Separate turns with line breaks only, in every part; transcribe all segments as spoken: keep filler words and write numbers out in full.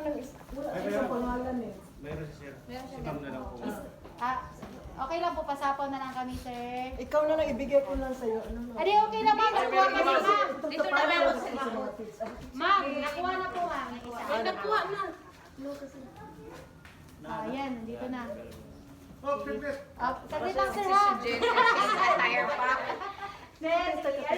ng is- wala isang pangalan eh.
Meron si Sir.
Meron siya.
Si Ma'am na lang po.
Ah, okay lang po, pasapaw na lang kami, sir.
Ikaw na lang, ibigay ko lang sa'yo. Ano na?
Adi, okay na ma'am, nakuha ka na ma'am.
Dito na meron sa mga
Ma'am, nakuha na po ma'am. Isa.
Ay, nakuha na.
Ah, yan, nandito na.
Oh, previous.
Ah, saglit lang sir ha.
Tire pack.
Sir, yan.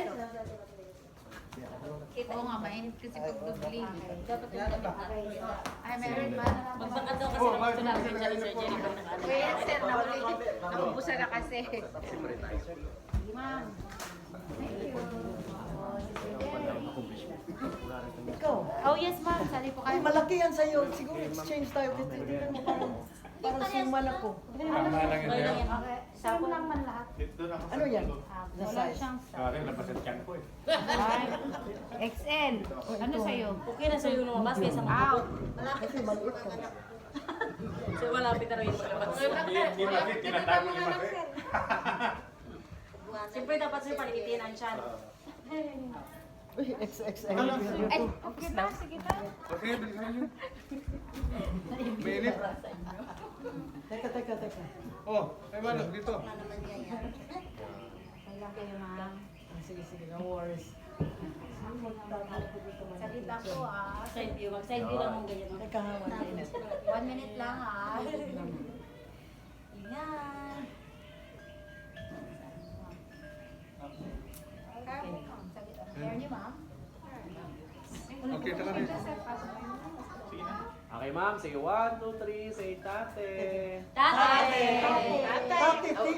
Oo nga, mainit kasi pag dubli.
Dapat yung damit na. Ay, meron ba?
Magbaka daw kasi ng ito namin dyan ni Sir Jenny. Kuya, sir, nahuli. Naubusan na kasi.
Sige ma'am. Thank you. Oh, si Sir Jerry.
Ikaw.
Oh yes ma'am, sali po
Ay,
kayo.
malaki yan sa'yo. Siguro exchange tayo. Kasi tingnan mo parang, parang suman ako.
Tama lang yun. Sir.
Okay, sapo lang man lahat.
Dito na ako sa
Ano yan?
tulog.
Ah,
The
wala
size.
siyang
Sa akin, labas ang tiyan ko eh.
X L. Ano sa'yo?
Okay na sa'yo lumabas kaysa mga
Out.
Kasi maliit ka.
So, malapit na rin yung malabas.
Hindi hindi kasi tinatago ni Mas eh.
Siyempre, dapat sa'yo palikitin ang chan.
Uy, X X L.
Ay, okay ba? Sige ba?
Okay, bilisan niyo. Mainit.
Teka, teka, teka.
Oh, ay wala, dito.
Okay lang kayo ma'am.
Ah, sige, sige. No worries.
Saglit lang po ah.
Side view. Mag-side view lang mong ganyan.
Teka, ha, one minute.
One minute lang ah. Ingat. Hair niyo ma'am?
Okay, tara rin.
Okay, ma'am. Say one, two, three. Say tate.
Tate!
Tate, ti.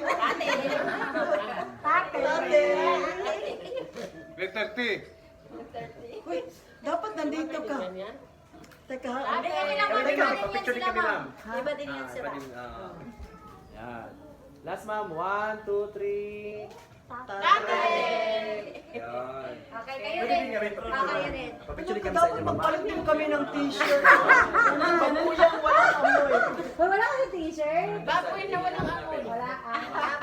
Tate.
Tate.
Letter T.
Uy, dapat nandito ka. Teka, ha.
Ate, kami lang ma'am. Iba din yan
Picture
sila
kami,
ma'am.
ma'am.
Iba din yan
Ah,
sila.
iba din, ah. Yan. Last, ma'am. One, two, three.
Tate!
Yan.
Okay, kayo
Pwede
rin.
din nga rin
Ah, kayo rin.
papicture kami sa
Dapat
inyo, ma'am.
magpalit din kami ng t-shirt. Pagkuyang walang amoy.
Hoy, wala ka yung t-shirt?
Baboy na walang amoy.
Wala ah.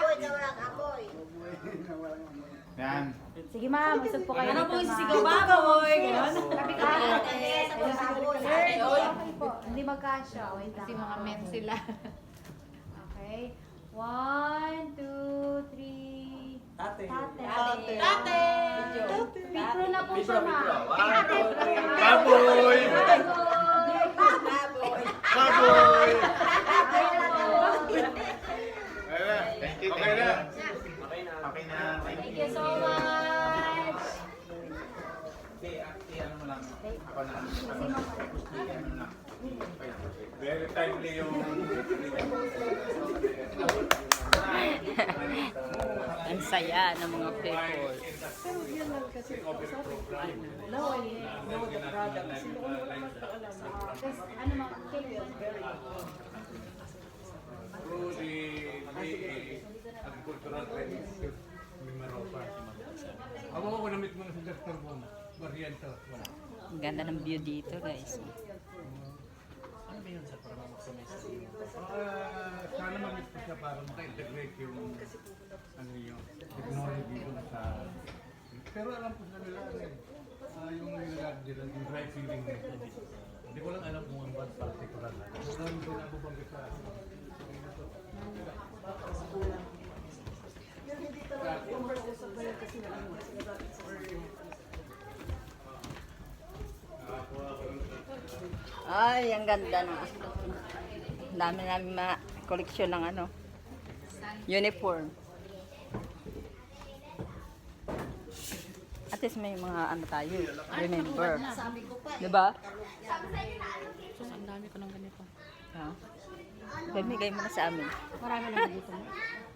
Yan.
Sige ma'am, usap po kayo.
Ano
dito,
po yung
ma'am.
sisigaw baboy? Ganon.
Ah, Sir, okay po. Hindi magkasya. Wait lang.
Kasi mga men sila.
Okay. One, two, three.
Tate.
Tate.
Tate.
Tate!
Pipro na po
Picture,
siya, ma'am.
picture. One, two, three.
Baboy! Baboy! Thank you. Okay na.
Okay na.
Okay na.
Thank you so much.
Si, si ano mo lang. Ako na. Ako na. Si ano na. Very timely yung...
Ang saya ng mga people.
Pero yan lang kasi sabi ko, now I know the product. Kasi noon wala magpaalam.
Kasi ano ma'am, cake.
Through the, the agricultural training institute, Mimaropa. Ako ako namit mo na sa Doctor Boom. Varianta. Wala.
Ang ganda ng view dito, guys.
Ano ba yun sa para mamaksimay sa inyo?
Ah, sana mamit ko siya para maka-integrate yung ano yung technology dun sa... Pero alam ko sa nila ano eh, ah, yung nilalagay nila, yung dry feeling nito. Hindi ko lang alam kung ang bad particular na. Kung ano din ako bang sa...
Yung hindi talaga conversation ba yan kasi naman.
Ay, ang ganda na. Ang dami namin mga koleksyon ng ano, uniform. At least may mga ano tayo, remember. Diba?
Sus, ang dami ko ng ganito.
Ha? Bamigay mo na sa amin.
Marami naman dito.